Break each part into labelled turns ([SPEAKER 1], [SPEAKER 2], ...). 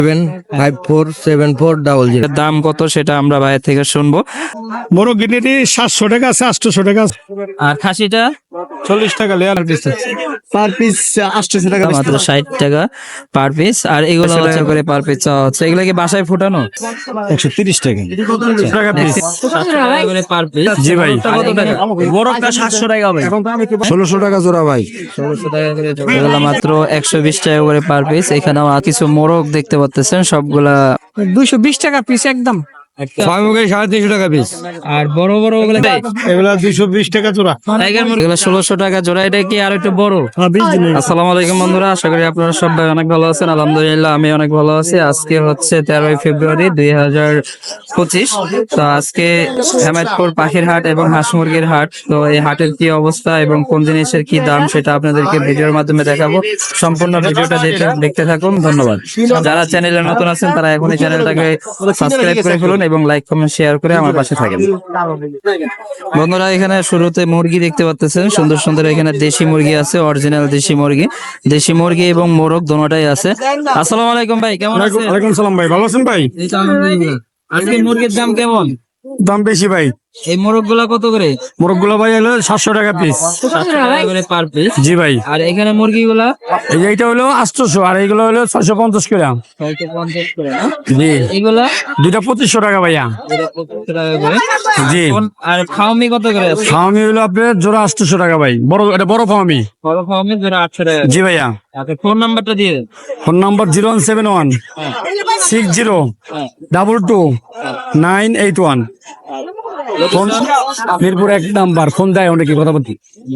[SPEAKER 1] 7547400।
[SPEAKER 2] দাম কত সেটা আমরা ভাইয়ের থেকে শুনবো।
[SPEAKER 3] বড় গিনেটি 700 টাকা আছে, 800 টাকা আছে।
[SPEAKER 2] আর খাসিটা
[SPEAKER 3] 40 টাকা লেয়ার পিস পার পিস 800 টাকা
[SPEAKER 2] মাত্র 60 টাকা পার পিস। আর এগুলো হচ্ছে করে পার পিস হচ্ছে, এগুলো কি বাসায় ফোটানো?
[SPEAKER 3] 130 টাকা টাকা পিস।
[SPEAKER 2] 700 টাকা করে পার পিস।
[SPEAKER 3] জি ভাই।
[SPEAKER 2] কত টাকা?
[SPEAKER 3] বড়টা 700 টাকা ভাই। 1600 টাকা জোড়া ভাই।
[SPEAKER 2] 1600 টাকা করে জোড়া। এগুলো মাত্র 120 টাকা করে পার পিস। এখানেও আর কিছু মোরগ দেখতে পাচ্ছেন, সবগুলা
[SPEAKER 4] 220 টাকা পিস একদম।
[SPEAKER 3] ছয় মুখে 350 টাকা পিস।
[SPEAKER 2] আর বড় বড় ওগুলো
[SPEAKER 3] এগুলা 220 টাকা জোড়া।
[SPEAKER 2] টাইগার মুরগি এগুলো 1600 টাকা জোড়া। এটা কি আর একটু বড়? আসসালামু আলাইকুম বন্ধুরা, আশা করি আপনারা সবাই অনেক ভালো আছেন। আলহামদুলিল্লাহ আমি অনেক ভালো আছি। আজকে হচ্ছে 13ই ফেব্রুয়ারি 2025। তো আজকে হেমায়তপুর পাখির হাট এবং হাঁস মুরগির হাট। তো এই হাটের কি অবস্থা এবং কোন জিনিসের কি দাম সেটা আপনাদেরকে ভিডিওর মাধ্যমে দেখাবো। সম্পূর্ণ ভিডিওটা দেখতে থাকুন। ধন্যবাদ। যারা চ্যানেলে নতুন আছেন তারা এখনই চ্যানেলটাকে সাবস্ক্রাইব করে ফেলুন এবং লাইক কমেন্ট শেয়ার করে আমার পাশে থাকেন। বন্ধুরা এখানে শুরুতে মুরগি দেখতে পাচ্ছেন, সুন্দর সুন্দর এখানে দেশি মুরগি আছে, অরিজিনাল দেশি মুরগি এবং মোরগ দোনোটাই আছে। আসসালামু আলাইকুম ভাই, কেমন আছেন?
[SPEAKER 3] ওয়ালাইকুম সালাম ভাই, ভালো আছেন ভাই?
[SPEAKER 2] এই তো আলহামদুলিল্লাহ। আজকে মুরগির দাম কেমন?
[SPEAKER 3] দাম বেশি ভাই।
[SPEAKER 2] এই মোরগ গুলা কত করে?
[SPEAKER 3] মোরগগুলো ভাই হলো 700 টাকা পিস।
[SPEAKER 2] 700 টাকা করে পার পিস।
[SPEAKER 3] জি ভাই।
[SPEAKER 2] আর এখানে মুরগি গুলা
[SPEAKER 3] এই যে এইটা হলো 800 আর এইগুলো হলো 650 করে।
[SPEAKER 2] 650 করে না?
[SPEAKER 3] জি।
[SPEAKER 2] এগুলা
[SPEAKER 3] দুইটা 2500 টাকা ভাইয়া।
[SPEAKER 2] 25 টাকা করে।
[SPEAKER 3] জি।
[SPEAKER 2] আর ফার্মি কত করে আছে?
[SPEAKER 3] ফার্মি হলো আপনার জোড়া 800 টাকা ভাই। বড় এটা বড় ফার্মি।
[SPEAKER 2] বড় ফার্মি জোড়া 800 টাকা।
[SPEAKER 3] জি ভাইয়া।
[SPEAKER 2] আচ্ছা ফোন নাম্বারটা দিয়ে দেন।
[SPEAKER 3] Phone number 0171 60 22 981। Phone Mirpur 1 number. Phone দেয় অনেকে কথা বলতে।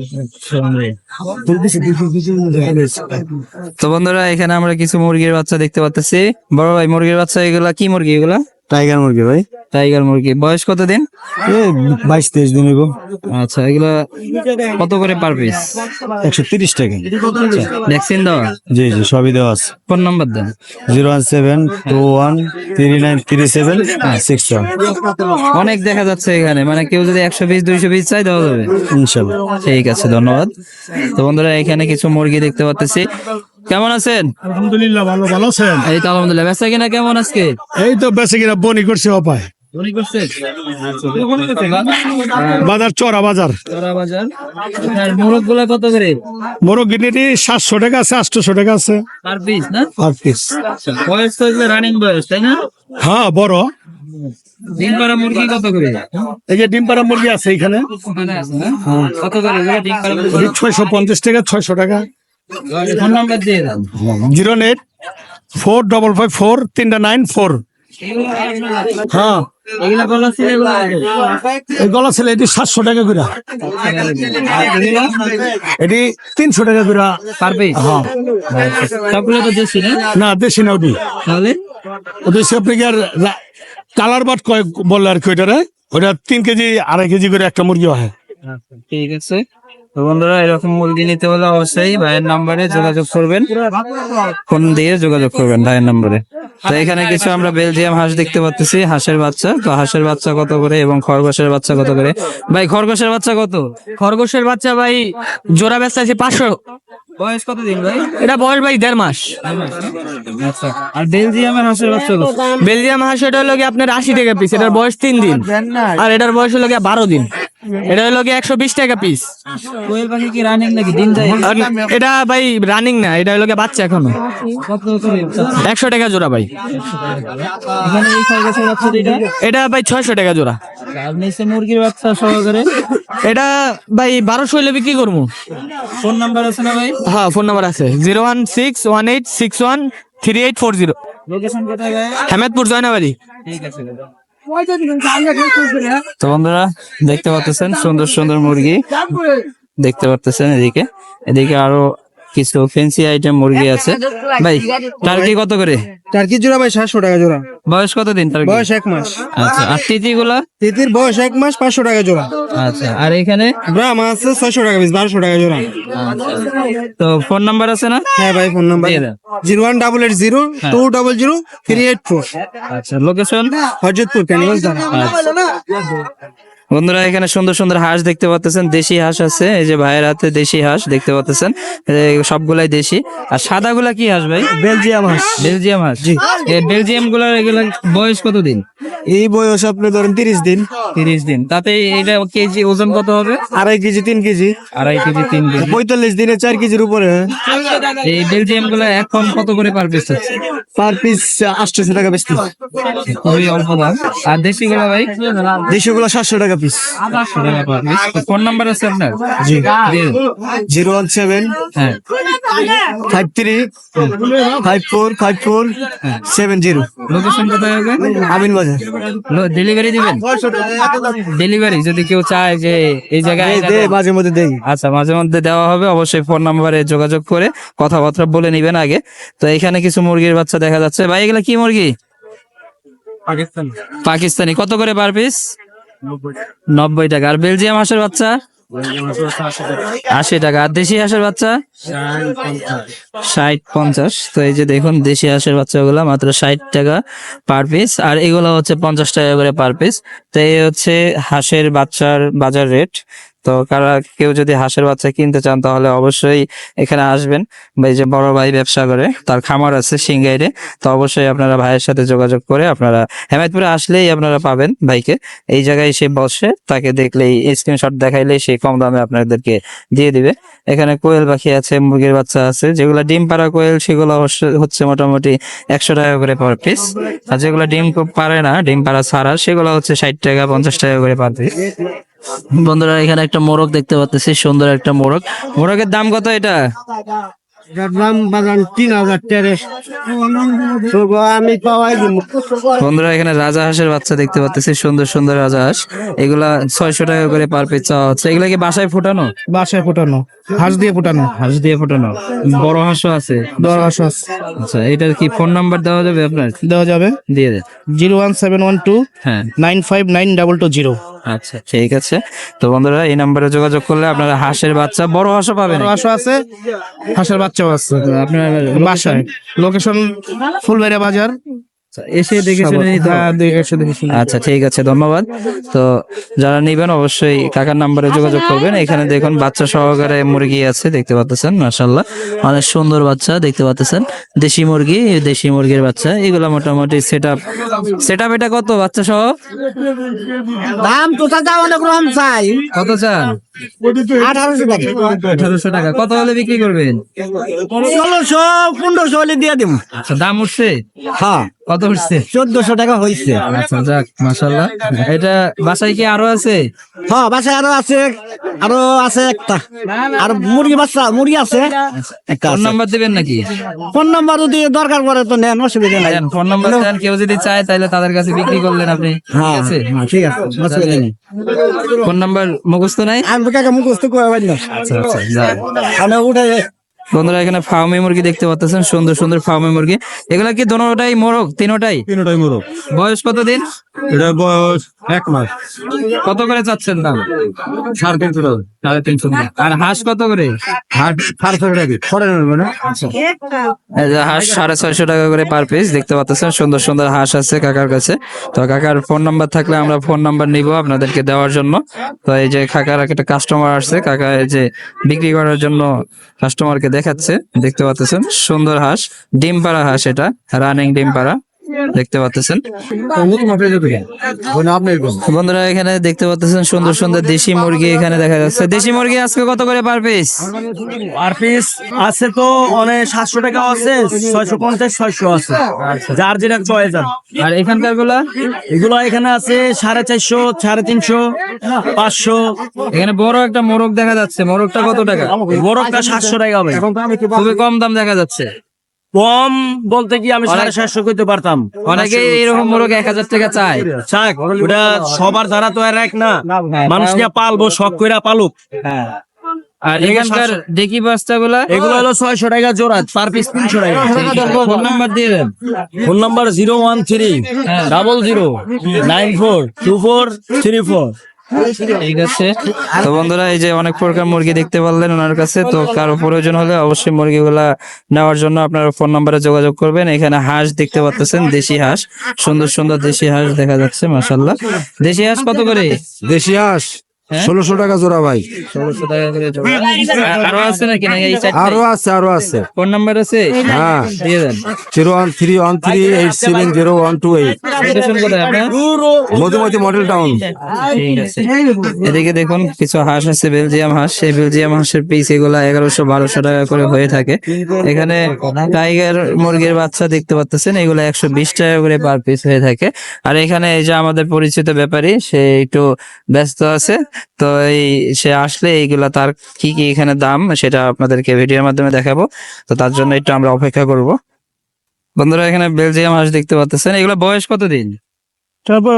[SPEAKER 2] তো বন্ধুরা এখানে আমরা কিছু মুরগির বাচ্চা দেখতে পাচ্ছি। বড় ভাই মুরগির বাচ্চা এগুলা কি মুরগি? এগুলা
[SPEAKER 3] টাইগার মুরগি ভাই।
[SPEAKER 2] টাইগার মুরগি। বয়স কত দিন?
[SPEAKER 3] 22-23 দিন হইব।
[SPEAKER 2] আচ্ছা এগুলা কত করে পার পিস?
[SPEAKER 3] 130 টাকা।
[SPEAKER 2] ভ্যাকসিন দেওয়া?
[SPEAKER 3] জি জি সবই দেওয়া আছে।
[SPEAKER 2] ফোন নাম্বার দেন।
[SPEAKER 3] 01721393761।
[SPEAKER 2] অনেক দেখা যাচ্ছে এখানে, মানে কেউ যদি 120-200 পিস চাই দেওয়া যাবে
[SPEAKER 3] ইনশাআল্লাহ।
[SPEAKER 2] ঠিক আছে, ধন্যবাদ। তো বন্ধুরা এখানে কিছু মুরগি দেখতে পাচ্ছি। কেমন আছেন?
[SPEAKER 3] আলহামদুলিল্লাহ ভালো। ভালো আছেন?
[SPEAKER 2] এই তো আলহামদুলিল্লাহ। বেচা কিনা কেমন আজকে?
[SPEAKER 3] এই তো বেঁচে কিনা বনি করছে অপায়। বাজার চড়া বাজার।
[SPEAKER 2] মোরগ গুলা কত করে?
[SPEAKER 3] মোরগ গিনেটি 700 টাকা আছে, 800 টাকা আছে
[SPEAKER 2] পার পিস না?
[SPEAKER 3] Per piece.
[SPEAKER 2] বয়স তো এগুলো রানিং বয়স, তাই না?
[SPEAKER 3] হ্যাঁ বড়।
[SPEAKER 2] ডিম পাড়া মুরগি কত করে?
[SPEAKER 3] এই যে ডিম পাড়া মুরগি আছে এখানে।
[SPEAKER 2] কত করে এগুলো ডিম পাড়া মুরগি?
[SPEAKER 3] 650 টাকা, 600 টাকা।
[SPEAKER 2] ফোন নাম্বার দিয়ে দেন।
[SPEAKER 3] 084554394। হ্যাঁ
[SPEAKER 2] এগুলা গলা ছিল এগুলা
[SPEAKER 3] এই গলা ছেলে এটি 700 টাকা করে। এটি 300 টাকা করে
[SPEAKER 2] পার পিস।
[SPEAKER 3] হ্যাঁ।
[SPEAKER 2] সবগুলো তো দেশি না?
[SPEAKER 3] না দেশি না ওটি।
[SPEAKER 2] তাহলে
[SPEAKER 3] ওদের সে আপনি কি আর কালার বাট কয় বললো আর কি ওইটারে। ওটা 3 কেজি 2.5 কেজি করে একটা মুরগি হয়।
[SPEAKER 2] ঠিক আছে। তো বন্ধুরা এরকম মুরগি নিতে হলে অবশ্যই ভাইয়ের নাম্বারে যোগাযোগ করবেন, ফোন দিয়ে যোগাযোগ করবেন ভাইয়ের নাম্বারে। তো এখানে কিছু আমরা বেলজিয়াম হাঁস দেখতে পাচ্ছি, হাঁসের বাচ্চা। তো হাঁসের বাচ্চা কত করে এবং খরগোশের বাচ্চা কত করে? ভাই খরগোশের বাচ্চা কত?
[SPEAKER 4] খরগোশের বাচ্চা ভাই জোড়া বেচা আছে 500।
[SPEAKER 2] বয়স কত দিন ভাই?
[SPEAKER 4] এটা বয়স ভাই 1.5 মাস।
[SPEAKER 2] আচ্ছা। আর বেলজিয়ামের হাঁসের বাচ্চা কত?
[SPEAKER 4] বেলজিয়াম হাঁস এটা হলো গিয়ে আপনার 80 টাকা পিস। এটার বয়স 3 দিন। আর এটার বয়স হলো গিয়ে 12 দিন। এটা হলো গিয়ে 120 টাকা পিস।
[SPEAKER 2] কোয়েল পাখি কি রানিং নাকি ডিম দেয়?
[SPEAKER 4] আর এটা ভাই রানিং না, এটা হলো গিয়ে বাচ্চা এখনো।
[SPEAKER 2] কত করে?
[SPEAKER 4] 100 টাকা জোড়া ভাই।
[SPEAKER 2] এখানে এই খরগোশের বাচ্চা এটা?
[SPEAKER 4] এটা ভাই 600 টাকা জোড়া।
[SPEAKER 2] আর নিচে মুরগির বাচ্চা সহকারে?
[SPEAKER 4] এটা ভাই 1200 হইলে বিক্রি করবো।
[SPEAKER 2] ফোন নাম্বার আছে না ভাই?
[SPEAKER 4] হ্যাঁ ফোন নাম্বার আছে 01618613840।
[SPEAKER 2] লোকেশন কোথায় ভাই?
[SPEAKER 4] হেমায়তপুর জয়নাবাড়ি।
[SPEAKER 2] ঠিক আছে। তো বন্ধুরা দেখতে পাচ্ছেন সুন্দর সুন্দর মুরগি দেখতে পাচ্ছেন। এদিকে আরো কিছু ফ্যান্সি আইটেম মুরগি আছে। ভাই টার্কি কত করে?
[SPEAKER 5] টার্কি জোড়া ভাই 700 টাকা জোড়া।
[SPEAKER 2] বয়স কত দিন টার্কি?
[SPEAKER 5] বয়স 1 মাস।
[SPEAKER 2] আচ্ছা। আর তিতি গুলা?
[SPEAKER 5] তিতির বয়স 1 মাস, 500 টাকা জোড়া।
[SPEAKER 2] আচ্ছা। আর এখানে
[SPEAKER 5] ব্রাহ্মা আছে 600 টাকা পিস, 1200 টাকা জোড়া।
[SPEAKER 2] তো ফোন নাম্বার আছে না?
[SPEAKER 5] হ্যাঁ ভাই ফোন নাম্বার
[SPEAKER 2] দিয়ে দেন।
[SPEAKER 5] 01880200384।
[SPEAKER 2] আচ্ছা। লোকেশন?
[SPEAKER 5] হযরতপুর ক্যানিগঞ্জ ধারা।
[SPEAKER 2] বন্ধুরা এখানে সুন্দর সুন্দর হাঁস দেখতে পাচ্ছেন, দেশি হাঁস আছে, এই যে ভাইয়ের হাতে দেশি হাঁস দেখতে পাচ্ছেন, সবগুলাই দেশি। আর সাদাগুলা কি হাঁস ভাই?
[SPEAKER 5] বেলজিয়াম হাঁস।
[SPEAKER 2] বেলজিয়াম হাঁস। এই বেলজিয়াম গুলা এগুলা বয়স কতদিন?
[SPEAKER 5] এই বয়স আপনি ধরেন 30 দিন।
[SPEAKER 2] 30 দিন। তাতে এটা কেজি ওজন কত হবে?
[SPEAKER 5] 2.5 কেজি 3 কেজি।
[SPEAKER 2] 2.5 KG 3 KG.
[SPEAKER 5] 45 দিনে 4 কেজির উপরে।
[SPEAKER 2] এই বেলজিয়াম গুলা এখন কত করে পার পিস হচ্ছে?
[SPEAKER 5] পার পিস 800 টাকা বেচতে।
[SPEAKER 2] খুবই অল্প দাম। আর দেশি গুলা ভাই?
[SPEAKER 5] দেশিগুলো 700 টাকা পিস।
[SPEAKER 2] 700 টাকা পার পিস। ফোন নাম্বার আছে আপনার?
[SPEAKER 5] জি।
[SPEAKER 2] দিয়ে দিন।
[SPEAKER 5] 017
[SPEAKER 2] হ্যাঁ
[SPEAKER 5] 53 54 54 70।
[SPEAKER 2] লোকেশন কোথায় হবে?
[SPEAKER 5] আমিন বাজার।
[SPEAKER 2] ডেলিভারি দিবেন? ডেলিভারি যদি কেউ চায় যে এই জায়গায়
[SPEAKER 5] দে মাঝে মধ্যে দেই।
[SPEAKER 2] আচ্ছা, মাঝে মধ্যে দেওয়া হবে। অবশ্যই ফোন নাম্বারে যোগাযোগ করে কথাবার্তা বলে নিবেন আগে। তো এখানে কিছু মুরগির বাচ্চা দেখা যাচ্ছে। ভাই এগুলা কি মুরগি? পাকিস্তানি। কত করে পার পিস? 90 টাকা। আর বেলজিয়াম হাঁসের বাচ্চা? 80 টাকা। আর দেশি হাঁসের বাচ্চা? 60-50। তো এই যে দেখুন দেশি হাঁসের বাচ্চাগুলো মাত্র 60 টাকা পার পিস, আর এগুলো হচ্ছে 50 টাকা করে পার পিস। তো এই হচ্ছে হাঁসের বাচ্চার বাজার রেট। তো কেউ যদি হাঁসের বাচ্চা কিনতে চান তাহলে অবশ্যই এখানে আসবেন। বা এই যে বড় ভাই ব্যবসা করে, তার খামার আছে সিংগাইরে। তো অবশ্যই আপনারা ভাইয়ের সাথে যোগাযোগ করে আপনারা হেমায়তপুরে আসলেই আপনারা পাবেন ভাইকে। এই জায়গায় সে বসে, তাকে দেখলেই স্ক্রিনশট দেখাইলেই সে কম দামে আপনাদেরকে দিয়ে দিবে। এখানে কোয়েল পাখি আছে, মুরগির বাচ্চা আছে, যেগুলো ডিম পাড়া কোয়েল সেগুলো হচ্ছে মোটামুটি 100 টাকা করে পার পিস। আর যেগুলো ডিম পারে না, ডিম পাড়া ছাড়া, সেগুলো হচ্ছে 60 টাকা 50 টাকা করে পার পিস। বন্ধুরা এখানে একটা মোরগ দেখতে পাচ্ছি, সুন্দর একটা মোরগ। মোরগের দাম কত এটা?
[SPEAKER 5] দাম বাগান 3000 টাকা। তো আমি পাওয়াই দিব।
[SPEAKER 2] বন্ধুরা এখানে রাজা হাঁসের বাচ্চা দেখতে পাচ্ছি, সুন্দর সুন্দর রাজা হাঁস। এগুলা 600 টাকা করে পার পিস চাওয়া হচ্ছে। এগুলা কি বাসায় ফোটানো?
[SPEAKER 5] বাসায় ফোটানো, হাঁস দিয়ে ফোটানো।
[SPEAKER 2] হাঁস দিয়ে ফোটানো। বড় হাঁসও আছে?
[SPEAKER 5] 10 হাঁস
[SPEAKER 2] আচ্ছা, এটার কি ফোন নাম্বার দেওয়া যাবে আপনার?
[SPEAKER 5] দেওয়া যাবে।
[SPEAKER 2] দিয়ে দেন।
[SPEAKER 5] 01712
[SPEAKER 2] হ্যাঁ
[SPEAKER 5] 959220।
[SPEAKER 2] আচ্ছা ঠিক আছে। তো বন্ধুরা এই নাম্বারে যোগাযোগ করলে আপনারা হাঁসের বাচ্চা, বড় হাঁসও পাবেন।
[SPEAKER 5] বড় হাঁস আছে, হাঁসের বাচ্চাও আছে।
[SPEAKER 2] আপনার
[SPEAKER 5] বাসায় লোকেশন ফুলবাড়িয়া বাজার।
[SPEAKER 2] এসে দেখে শুনে নিতে হবে।
[SPEAKER 5] হ্যাঁ, এসে দেখে শুনে।
[SPEAKER 2] আচ্ছা ঠিক আছে, ধন্যবাদ। তো যারা নিবেন অবশ্যই কাকার নাম্বারে যোগাযোগ করবেন। এখানে দেখুন বাচ্চা সহকারে মুরগি আছে দেখতে পাচ্ছেন, মাশাআল্লাহ অনেক সুন্দর বাচ্চা দেখতে পাচ্ছেন। দেশি মুরগি, দেশি মুরগির বাচ্চা এগুলা মোটামুটি সেটআপ এটা কত বাচ্চা সহ?
[SPEAKER 5] দাম তো দাম অনেক রকম চাই।
[SPEAKER 2] কত চান?
[SPEAKER 5] 1800 টাকা।
[SPEAKER 2] 1800 টাকা। কত হলে বিক্রি করবেন?
[SPEAKER 5] 1600 1500 হলে দিয়ে দিব।
[SPEAKER 2] আচ্ছা, দাম উঠছে?
[SPEAKER 5] হ্যাঁ,
[SPEAKER 2] কত উঠছে?
[SPEAKER 5] 1400 টাকা হইছে।
[SPEAKER 2] আচ্ছা যাক, মাশাআল্লাহ। এটা বাসায় কি আরো আছে?
[SPEAKER 5] হ্যাঁ, বাসায় আরো আছে একটা। আর মুরগি মুরগি আছে একটা।
[SPEAKER 2] ফোন নাম্বার দিবেন নাকি?
[SPEAKER 5] ফোন নাম্বার যদি দরকার পড়ে তো নেন, অসুবিধা নাই।
[SPEAKER 2] দেন, ফোন নাম্বার দেন। কেউ যদি চায় তাহলে তাদের কাছে বিক্রি করলেন আপনি। ঠিক
[SPEAKER 5] হ্যাঁ,
[SPEAKER 2] আছে?
[SPEAKER 5] ঠিক আছে, অসুবিধা নেই।
[SPEAKER 2] ফোন নাম্বার মুখস্থ নাই?
[SPEAKER 5] আমি কাকা মুখস্থ করে পারি না।
[SPEAKER 2] আচ্ছা আচ্ছা যাক।
[SPEAKER 5] আমি উঠে
[SPEAKER 2] বন্ধুরা এখানে ফার্মি মুরগি দেখতে পাচ্ছেন, সুন্দর সুন্দর ফার্মি মুরগি। এগুলা কি দোনোটাই মোরগ? তিনোটাই?
[SPEAKER 5] তিনটাই মোরগ।
[SPEAKER 2] বয়স কতদিন?
[SPEAKER 5] এটা বয়স 1 মাস।
[SPEAKER 2] কত করে চাচ্ছেন দাম?
[SPEAKER 5] 350 টাকা।
[SPEAKER 2] 350 টাকা। আর হাঁস কত করে?
[SPEAKER 5] হাট 400 টাকা। পরে নেবে না?
[SPEAKER 2] এই যে হাঁস 650 টাকা করে পার পিস দেখতে পাচ্ছেন। সুন্দর সুন্দর হাঁস আছে কাকার কাছে। তো কাকার ফোন নাম্বার থাকলে আমরা ফোন নাম্বার নিব আপনাদেরকে দেওয়ার জন্য। তো এই যে কাকার একটা কাস্টমার আসছে, কাকা এই যে বিক্রি করার জন্য কাস্টমারকে দেখাচ্ছে দেখতে পাচ্ছেন। সুন্দর হাঁস, ডিম পাড়া হাঁস, এটা রানিং ডিম পাড়া দেখতে পাচ্ছেন। বন্ধুরা এখানে দেখতে পাচ্ছেন সুন্দর সুন্দর দেশি মুরগি এখানে দেখা যাচ্ছে। দেশি মুরগি আজকে কত করে পার পিস?
[SPEAKER 4] আর পিস আছে তো অনেক 700 টাকা আছে, 650 600 আছে, যার যেটা চয়েস।
[SPEAKER 2] আর এখানকার গুলা?
[SPEAKER 4] এগুলো এখানে আছে 450 350 500।
[SPEAKER 2] এখানে বড় একটা মোরগ দেখা যাচ্ছে, মোরগটা কত টাকা?
[SPEAKER 4] বড়টা 700 টাকা হবে।
[SPEAKER 2] খুবই কম দাম দেখা যাচ্ছে।
[SPEAKER 4] কম বলতে কি আমি 750 করতে পারতাম।
[SPEAKER 2] অনেকে এরকম মোরগ 1000 টাকা চায়।
[SPEAKER 4] চাক ওটা সবার দ্বারা তো আর এক না, মানুষ নিয়ে পালবো, শখ কইরা পালুক।
[SPEAKER 2] আর এখানকার ডেকি বাচ্চা গুলা?
[SPEAKER 4] এগুলো হলো 600 টাকা জোড়া, পার পিস 300 টাকা।
[SPEAKER 2] ফোন নাম্বার দিয়ে দেন।
[SPEAKER 4] Phone number 013 00 94 24 34।
[SPEAKER 2] ঠিক আছে। তো বন্ধুরা এই যে অনেক প্রকার মুরগি দেখতে পারলেন ওনার কাছে, তো কারো প্রয়োজন হলে অবশ্যই মুরগিগুলা নেওয়ার জন্য আপনারা ফোন নম্বরে যোগাযোগ করবেন। এখানে হাঁস দেখতে পাচ্ছেন, দেশি হাঁস, সুন্দর সুন্দর দেশি হাঁস দেখা যাচ্ছে, মাশাআল্লাহ। দেশি হাঁস কত করে?
[SPEAKER 3] দেশি হাঁস
[SPEAKER 2] হ্যাঁ?
[SPEAKER 3] 1600 টাকা জোড়া ভাই।
[SPEAKER 2] 1600 টাকা করে জোড়া। আরো আছে নাকি, নাকি এই চারটে?
[SPEAKER 3] আরো আছে।
[SPEAKER 2] ফোন নাম্বার আছে?
[SPEAKER 3] হ্যাঁ,
[SPEAKER 2] দিয়ে দেন।
[SPEAKER 3] 01313870128।
[SPEAKER 2] লোকেশন কোথায় আপনার?
[SPEAKER 3] Madhumati model town.
[SPEAKER 2] ঠিক আছে। এদিকে দেখুন কিছু হাঁস আছে, বেলজিয়াম হাঁস। সেই বেলজিয়াম হাঁসের পিস এগুলা 1100-1200 টাকা করে হয়ে থাকে। এখানে টাইগার মুরগির বাচ্চা দেখতে পাচ্ছেন, এগুলো 120 টাকা করে পার পিস হয়ে থাকে। আর এখানে এই যে আমাদের পরিচিত ব্যাপারী, সে একটু ব্যস্ত আছে, তো সে আসলে এইগুলা তার কি কি এখানে দাম সেটা আপনাদেরকে ভিডিওর মাধ্যমে দেখাবো। তো তার জন্য একটু আমরা অপেক্ষা করব। বন্ধুরা এখানে বেলজিয়াম হাঁস দেখতে পাচ্ছেন, এগুলা বয়স কতদিন?
[SPEAKER 5] তারপর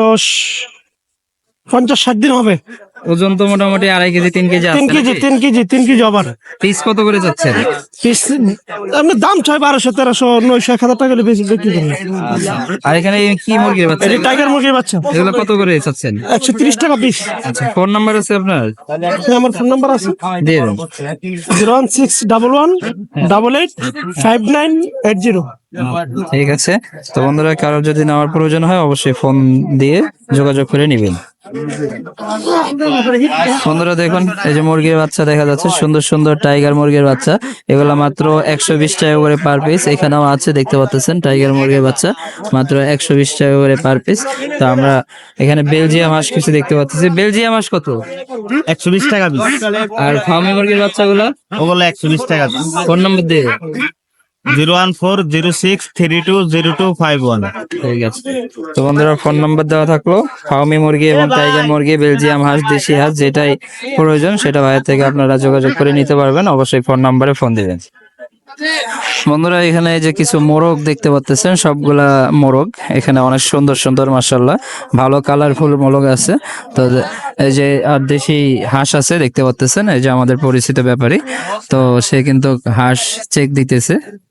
[SPEAKER 5] 50-60 দিন হবে।
[SPEAKER 2] ওজন তো মোটামুটি 2.5 কেজি 3 কেজি আছে।
[SPEAKER 5] 3 কেজি আবার
[SPEAKER 2] পিস কত করে যাচ্ছেন?
[SPEAKER 5] পিস আপনার দাম চাই 1200, 1300, 900, 1000 টাকা বেশি বিক্রি করি।
[SPEAKER 2] আর এখানে কি মুরগির বাচ্চা?
[SPEAKER 5] এটা টাইগার মুরগির বাচ্চা,
[SPEAKER 2] এগুলো কত করে চাচ্ছেন?
[SPEAKER 5] 130 টাকা পিস।
[SPEAKER 2] আচ্ছা, ফোন নাম্বার আছে আপনার?
[SPEAKER 5] আমার ফোন নাম্বার আছে
[SPEAKER 2] দিয়ে দেন।
[SPEAKER 5] 01611885980।
[SPEAKER 2] ঠিক আছে। তো বন্ধুরা কারো যদি নেওয়ার প্রয়োজন হয় অবশ্যই ফোন দিয়ে যোগাযোগ করে নেবেন। বন্ধুরা দেখুন এই যে মুরগির বাচ্চা দেখা যাচ্ছে, সুন্দর সুন্দর টাইগার মুরগির বাচ্চা, এগুলা মাত্র 120 টাকা করে পার পিস। এখানেও আছে দেখতে পাচ্ছেন টাইগার মুরগির বাচ্চা, মাত্র 120 টাকা করে পার পিস। তো আমরা এখানে বেলজিয়াম হাঁস কিছু দেখতে পাচ্ছি। বেলজিয়াম হাঁস কত?
[SPEAKER 5] 120 টাকা পিস।
[SPEAKER 2] আর ফার্মি মুরগির বাচ্চাগুলো?
[SPEAKER 5] ওগুলো 120 টাকা পিস।
[SPEAKER 2] ফোন নম্বর দিয়ে।
[SPEAKER 5] 01406320251।
[SPEAKER 2] ঠিক আছে। তো বন্ধুরা ফোন নাম্বার দেওয়া থাকলো। ফার্মি মুরগি এবং টাইগার মুরগি, বেলজিয়াম হাঁস, দেশি হাঁস যেটাই প্রয়োজন সেটা ভাইয়ের থেকে আপনারা যোগাযোগ করে নিতে পারবেন। অবশ্যই ফোন নাম্বারে ফোন দিবেন। বন্ধুরা এখানে এই যে কিছু মোরগ দেখতে পাচ্ছেন, সবগুলা মোরগ এখানে অনেক সুন্দর সুন্দর, মাশাআল্লাহ ভালো কালারফুল মোরগ আছে। তো এই যে আর দেশি হাঁস আছে দেখতে পাচ্ছেন, এই যে আমাদের পরিচিত ব্যাপারী, তো সে কিন্তু হাঁস চেক দিতেছে।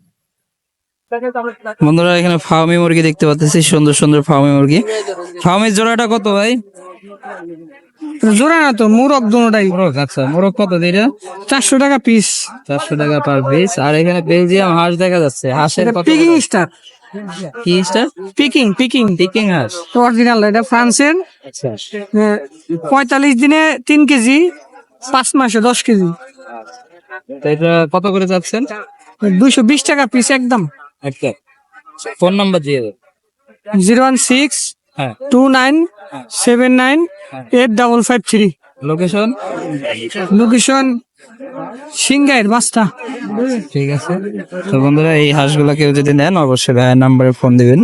[SPEAKER 2] বন্ধুরা এখানে ফার্মি মুরগি দেখতে পাচ্ছি, সুন্দর সুন্দর ফার্মি মুরগি। ফার্মির জোড়াটা কত ভাই?
[SPEAKER 5] জোড়া না তো, মুরগ দুটোটাই।
[SPEAKER 2] মোরগ, আচ্ছা মোরগ কত দিটা?
[SPEAKER 5] 400 টাকা পিস।
[SPEAKER 2] 400 টাকা পার পিস। আর এখানে বেলজিয়াম হাঁস দেখা যাচ্ছে, হাঁসের কত?
[SPEAKER 5] পিকিং স্টার,
[SPEAKER 2] কি স্টার?
[SPEAKER 5] পিকিং
[SPEAKER 2] পিকিং হাঁস।
[SPEAKER 5] অরিজিনাল। এটা ফ্রান্সের।
[SPEAKER 2] আচ্ছা
[SPEAKER 5] 45 দিনে 3 কেজি, 5 মাসে 10 কেজি।
[SPEAKER 2] তো এটা কত করে যাচ্ছেন?
[SPEAKER 5] 220 টাকা পিস একদম।
[SPEAKER 2] একটা ফোন নাম্বার দিয়ে দেন।
[SPEAKER 5] 01629798553।
[SPEAKER 2] লোকেশন?
[SPEAKER 5] লোকেশন সিংগাইর বাস্তা।
[SPEAKER 2] ঠিক আছে। তো বন্ধুরা এই হাঁসগুলা কেউ যদি নেন অবশ্যই ভাইয়ের নাম্বারে ফোন দিবেন।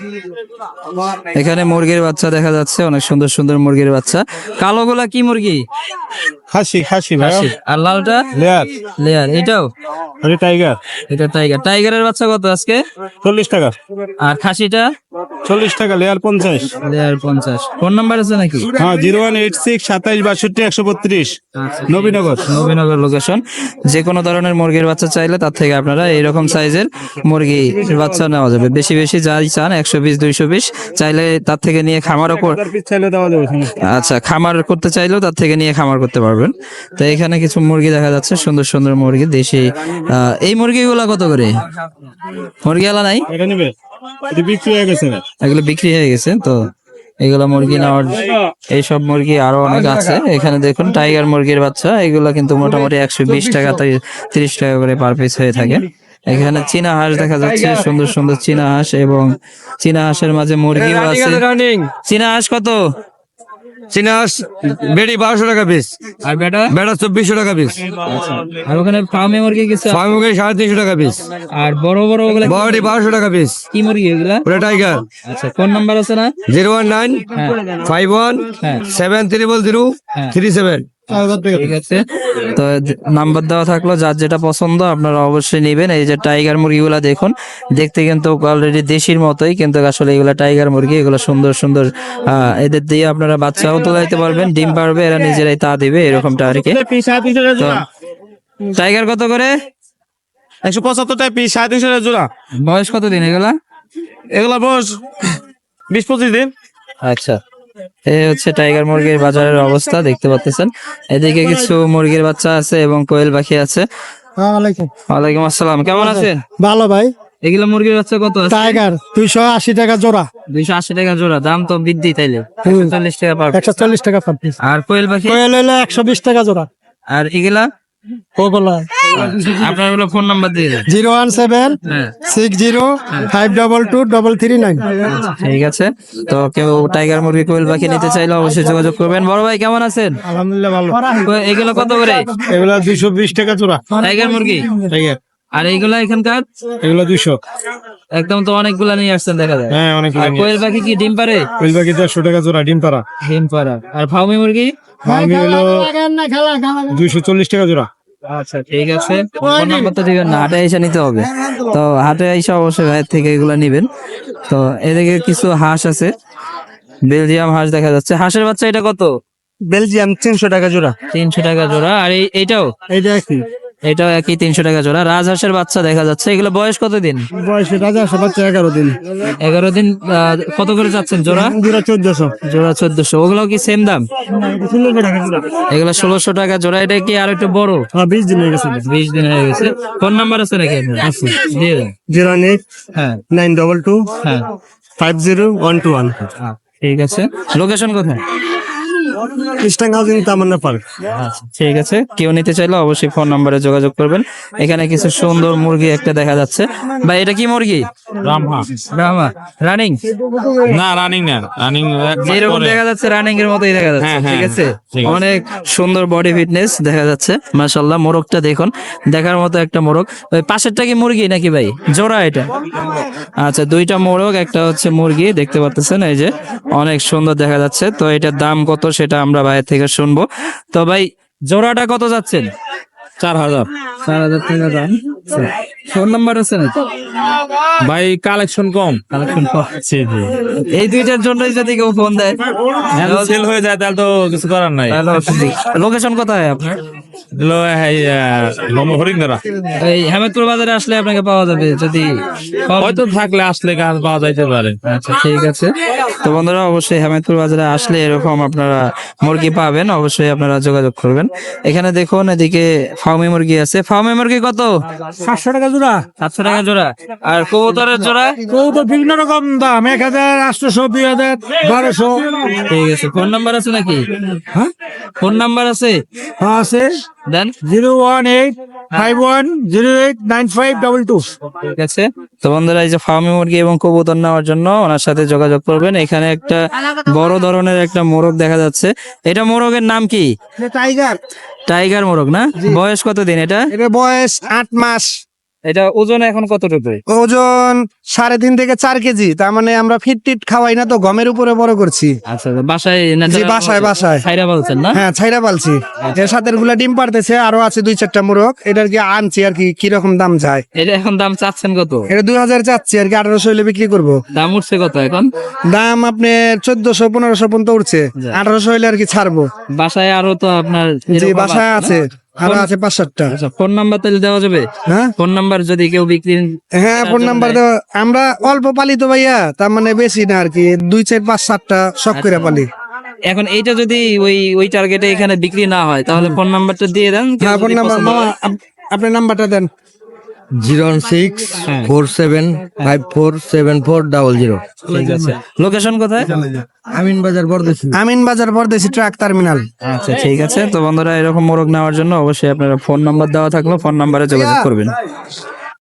[SPEAKER 2] এখানে মুরগির বাচ্চা দেখা যাচ্ছে, অনেক সুন্দর সুন্দর মুরগির বাচ্চা। কালোগুলা কি মুরগি?
[SPEAKER 5] খাসি ভাই।
[SPEAKER 2] হাসি। আর লালটা?
[SPEAKER 5] লেয়ার।
[SPEAKER 2] লেয়ার। এটাও?
[SPEAKER 5] আরে টাইগার।
[SPEAKER 2] এটা টাইগার। টাইগারের বাচ্চা কত আজকে?
[SPEAKER 5] 40 টাকা।
[SPEAKER 2] আর খাসিটা?
[SPEAKER 5] 40 টাকা। লেয়ার 50।
[SPEAKER 2] লেয়ার 50। ফোন নাম্বার আছে নাকি?
[SPEAKER 5] হ্যাঁ, 01867262132। নবীনগর।
[SPEAKER 2] নবীনগর লোকেশন। যে কোনো ধরনের মুরগির বাচ্চা চাইলে তার থেকে আপনারা এইরকম সাইজের মুরগির বাচ্চা নেওয়া যাবে। বেশি বেশি যাই চান 120-220 চাইলে তার থেকে নিয়ে খামারও
[SPEAKER 5] চাইলে দেওয়া যাবে।
[SPEAKER 2] আচ্ছা, খামার করতে চাইলেও তার থেকে নিয়ে খামার করতে পারবেন। তো এখানে কিছু মুরগি দেখা যাচ্ছে, সুন্দর সুন্দর মুরগি দেশি। এই মুরগিগুলা কত করে? মুরগি আলা নাই?
[SPEAKER 5] এটা নেবে? এটা বিক্রি হয়ে গেছে।
[SPEAKER 2] এগুলো বিক্রি হয়ে গেছে। তো এগুলা মুরগি নেওয়ার, এইসব মুরগি আরো অনেক আছে। এখানে দেখুন টাইগার মুরগির বাচ্চা, এগুলা কিন্তু মোটামুটি 120 টাকা 30 টাকা করে পার পিস হয়ে থাকে। এখানে চীনা হাঁস দেখা যাচ্ছে, সুন্দর সুন্দর চীনা হাঁস, এবং চীনা হাঁসের মাঝে মুরগিও আছে। চীনা হাঁস কত?
[SPEAKER 3] চীনা হাঁস বেড়ি 1200 টাকা পিস,
[SPEAKER 2] আর বেটা?
[SPEAKER 3] বেড়া 2400 টাকা পিস,
[SPEAKER 2] আর ওখানে ফার্মে মুরগি কিছু?
[SPEAKER 3] ফার্ম মুরগি 350 টাকা পিস,
[SPEAKER 2] আর বড় বড় ওগুলা
[SPEAKER 3] বড়ি 1200 টাকা পিস।
[SPEAKER 2] কি মুরগি এগুলা?
[SPEAKER 3] ওটা টাইগার।
[SPEAKER 2] আচ্ছা, ফোন নাম্বার আছে না?
[SPEAKER 3] 01951717037।
[SPEAKER 2] ঠিক আছে। তো নাম্বার দেওয়া থাকলো, যার যেটা পছন্দ আপনারা অবশ্যই নেবেন। এই যে টাইগার মুরগিগুলা দেখুন, দেখতে কিন্তু অলরেডি দেশির মতোই, কিন্তু আসলে এগুলা টাইগার মুরগি। এগুলো সুন্দর সুন্দর, এদের দিয়ে আপনারা বাচ্চাও তোলাইতে পারবেন, ডিম পারবে, এরা নিজেরাই তা দিবে, এরকমটা আর কি। টাইগার কত করে?
[SPEAKER 5] 175 টাকা পিস, 350 টাকা জোড়া।
[SPEAKER 2] বয়স কত দিন এগুলা?
[SPEAKER 5] এগুলা বয়স 20-25 দিন।
[SPEAKER 2] আচ্ছা, এই হচ্ছে টাইগার মুরগির বাজারের অবস্থা দেখতে পাচ্ছেন। এদিকে কিছু মুরগির বাচ্চা আছে এবং কোয়েল পাখি আছে। ওয়ালাইকুম আসসালাম, কেমন আছেন?
[SPEAKER 5] ভালো ভাই।
[SPEAKER 2] এগুলো মুরগির বাচ্চা কত আছে?
[SPEAKER 5] টাইগার 280 টাকা জোড়া।
[SPEAKER 2] 280 টাকা জোড়া, দাম তো বৃদ্ধি তাইলে 40 টাকা পার।
[SPEAKER 5] 140 টাকা পার পিস।
[SPEAKER 2] আর কোয়েল পাখি?
[SPEAKER 5] কোয়েল হইলে 120 টাকা জোড়া।
[SPEAKER 2] আর এগুলা
[SPEAKER 5] ওগুলা
[SPEAKER 2] আপনার গুলো ফোন নাম্বার দিয়ে দেন।
[SPEAKER 5] 017
[SPEAKER 2] হ্যাঁ
[SPEAKER 5] 60 522 339।
[SPEAKER 2] ঠিক আছে, তো কেউ টাইগার মুরগি কোয়েল পাখি নিতে চাইলে অবশ্যই যোগাযোগ করবেন। বড় ভাই কেমন আছেন?
[SPEAKER 5] আলহামদুলিল্লাহ ভালো।
[SPEAKER 2] এগুলো কত করে?
[SPEAKER 5] এগুলা 220 টাকা জোড়া।
[SPEAKER 2] টাইগার মুরগি।
[SPEAKER 5] টাইগার
[SPEAKER 2] আর এইগুলা এখানকার
[SPEAKER 5] এগুলা 200।
[SPEAKER 2] একদম তো অনেকগুলা নিয়ে আসছেন দেখা যায়।
[SPEAKER 5] হ্যাঁ অনেক।
[SPEAKER 2] আর কোয়েল পাখি কি ডিম পারে?
[SPEAKER 5] কোয়েল পাখি 150 টাকা জোড়া, ডিম পাড়া।
[SPEAKER 2] ডিম পারা। আর ফাউমি মুরগি?
[SPEAKER 5] আমি হলো 240 টাকা জোড়া।
[SPEAKER 2] আচ্ছা ঠিক আছে, ফোন নাম্বার তো দিবেন না, হাটে এসে নিতে হবে। তো হাটে এসে অবশ্যই ভাইয়ের থেকে এগুলা নিবেন। তো এদিকে কিছু হাঁস আছে, বেলজিয়াম হাঁস দেখা যাচ্ছে। হাঁসের বাচ্চা এটা কত?
[SPEAKER 5] বেলজিয়াম 300 টাকা জোড়া।
[SPEAKER 2] 300 টাকা জোড়া। আর এইটাও?
[SPEAKER 5] এইটা কি?
[SPEAKER 2] এটাও একই 300 টাকা জোড়া। রাজহাঁসের বাচ্চা দেখা যাচ্ছে। এগুলো বয়স কতদিন?
[SPEAKER 5] বয়স রাজা বাচ্চা 11 দিন।
[SPEAKER 2] 11 দিন। কত করে যাচ্ছেন জোড়া?
[SPEAKER 5] জোড়া 1400।
[SPEAKER 2] জোড়া 1400। ওগুলো কি সেম দাম?
[SPEAKER 5] 1600 টাকা জোড়া।
[SPEAKER 2] এগুলো 1600 টাকা জোড়া। এটা কি আর একটু বড়?
[SPEAKER 5] হ্যাঁ 20 দিন হয়ে গেছে।
[SPEAKER 2] 20 দিন হয়ে গেছে। ফোন নাম্বার আছে নাকি আপনার? আছে, দিয়ে দেন।
[SPEAKER 5] 08
[SPEAKER 2] হ্যাঁ
[SPEAKER 5] 922
[SPEAKER 2] হ্যাঁ
[SPEAKER 5] 50121।
[SPEAKER 2] ঠিক আছে। লোকেশন কোথায়?
[SPEAKER 5] Eastern housing Tamanna park.
[SPEAKER 2] ঠিক আছে, কেউ নিতে চাইলে অবশ্যই ফোন নম্বরে যোগাযোগ করবেন। এখানে কিছু সুন্দর মুরগি একটা দেখা যাচ্ছে। ভাই এটা কি মুরগি? ব্রাহ্মা। রানিং?
[SPEAKER 1] না রানিং না, রানিং
[SPEAKER 2] যেরকম দেখা যাচ্ছে রানিং এর মতোই দেখা যাচ্ছে।
[SPEAKER 1] হ্যাঁ,
[SPEAKER 2] ঠিক
[SPEAKER 1] হ্যাঁ,
[SPEAKER 2] আছে,
[SPEAKER 1] ঠিক আছে।
[SPEAKER 2] অনেক সুন্দর বডি ফিটনেস দেখা যাচ্ছে। মাশাআল্লাহ, মোরগটা দেখুন, দেখার মতো একটা মোরগ। ওই পাশেরটা কি মুরগি নাকি ভাই? জোড়া এটা? আচ্ছা, দুইটা মোরগ, একটা হচ্ছে মুরগি দেখতে পাচ্ছেন। এই যে অনেক সুন্দর দেখা যাচ্ছে। তো এটার দাম কত সেটা আমরা ভাইয়ের থেকে শুনবো। তো ভাই জোড়াটা কত যাচ্ছেন?
[SPEAKER 1] 4000
[SPEAKER 2] 4000 টাকা দাম। ফোন নাম্বার আছে নাকি?
[SPEAKER 1] ভাই, কালেকশন কম।
[SPEAKER 2] কালেকশন
[SPEAKER 1] জি জি,
[SPEAKER 2] এই দুইটার জন্যই যদি কেউ ফোন দেয়
[SPEAKER 1] সেল হয়ে যায় তাহলে তো কিছু করার নাই।
[SPEAKER 2] লোকেশন কোথায় আপনার?
[SPEAKER 1] হরিঙ্গরা
[SPEAKER 2] এই হেমেদপুর বাজারে আসলে আপনাকে পাওয়া যাবে যদি
[SPEAKER 1] হয়তো থাকলে আসলে গাছ পাওয়া যাইতে পারে।
[SPEAKER 2] আচ্ছা ঠিক আছে। তো বন্ধুরা অবশ্যই হেমেদপুর বাজারে আসলে এরকম আপনারা মুরগি পাবেন, অবশ্যই আপনারা যোগাযোগ করবেন। এখানে দেখুন এদিকে ফার্মি মুরগি আছে। ফার্মি মুরগি কত?
[SPEAKER 5] 700 টাকা জোড়া।
[SPEAKER 2] 700 টাকা জোড়া। আর কবুতরের জোড়া?
[SPEAKER 5] তো বিভিন্ন রকম দাম, 1000, 800, 2000, 1200।
[SPEAKER 2] ঠিক আছে। ফোন নাম্বার আছে নাকি?
[SPEAKER 5] হ্যাঁ
[SPEAKER 2] ফোন নাম্বার আছে?
[SPEAKER 5] আছে
[SPEAKER 2] দেন।
[SPEAKER 5] 018 5108 9522।
[SPEAKER 2] ঠিক আছে। তো বন্ধুরা এই যে ফার্মি মুরগি এবং কবুতর নেওয়ার জন্য ওনার সাথে যোগাযোগ করবেন। এখানে একটা বড় ধরনের একটা মোরগ দেখা যাচ্ছে। এটা মোরগের নাম কি?
[SPEAKER 5] টাইগার।
[SPEAKER 2] টাইগার মোরগ না? বয়স কত দিন এটা?
[SPEAKER 5] এটা বয়স 8 মাস।
[SPEAKER 2] এটা ওজন এখন কতটুকু?
[SPEAKER 5] ওজন 3.5 থেকে 4 কেজি। তার মানে আমরা ফিট টিট খাওয়াই না, তো গমের উপরে বড় করছি।
[SPEAKER 2] আচ্ছা, বাসায়
[SPEAKER 5] জি, বাসায়।
[SPEAKER 2] ছাইরা বলছেন না?
[SPEAKER 5] হ্যাঁ, ছাইরা পালছি। এর সাথে গুলা ডিম পারতেছে, আরো আছে 2-4টা মোরগ। এটার কি আনছি আর কি, কিরকম দাম যায়।
[SPEAKER 2] এটা এখন দাম চাচ্ছেন কত?
[SPEAKER 5] এটা 2000 চাচ্ছি আর কি, 1800 হইলে বিক্রি করবো।
[SPEAKER 2] দাম উঠছে কত এখন?
[SPEAKER 5] দাম আপনার 1400-1500 পর্যন্ত উঠছে। 1800 হইলে আর কি ছাড়বো।
[SPEAKER 2] বাসায় আরো তো আপনার
[SPEAKER 5] জি,
[SPEAKER 2] এরকম
[SPEAKER 5] বাসায় আছে, আরো আছে 5-7টা।
[SPEAKER 2] আচ্ছা, ফোন নাম্বার তাহলে দেওয়া যাবে?
[SPEAKER 5] হ্যাঁ
[SPEAKER 2] ফোন নাম্বার যদি কেউ বিক্রি।
[SPEAKER 5] হ্যাঁ, ফোন নাম্বার দেওয়া। আমরা অল্প পালি তো ভাইয়া, তার মানে বেশি না আর কি, 2-4-5-7টা শখ করে পালি।
[SPEAKER 2] এখন এইটা যদি ওই টার্গেটে এখানে বিক্রি না হয় তাহলে ফোন নাম্বারটা দিয়ে দেন। কেউ
[SPEAKER 5] হ্যাঁ, ফোন
[SPEAKER 2] যদি
[SPEAKER 5] নাম্বার
[SPEAKER 2] পছন্দ
[SPEAKER 5] মামা,
[SPEAKER 2] হয়।
[SPEAKER 5] আপনার নাম্বারটা দেন।
[SPEAKER 6] 01647474000।
[SPEAKER 2] ঠিক আছে। লোকেশন কোথায়?
[SPEAKER 5] আমিন বাজার পরদেশি ট্রাক টার্মিনাল।
[SPEAKER 2] আচ্ছা ঠিক আছে। তো বন্ধুরা এরকম মোরগ নেওয়ার জন্য অবশ্যই আপনারা ফোন নাম্বার দেওয়া থাকলো, ফোন নাম্বারে যোগাযোগ করবেন।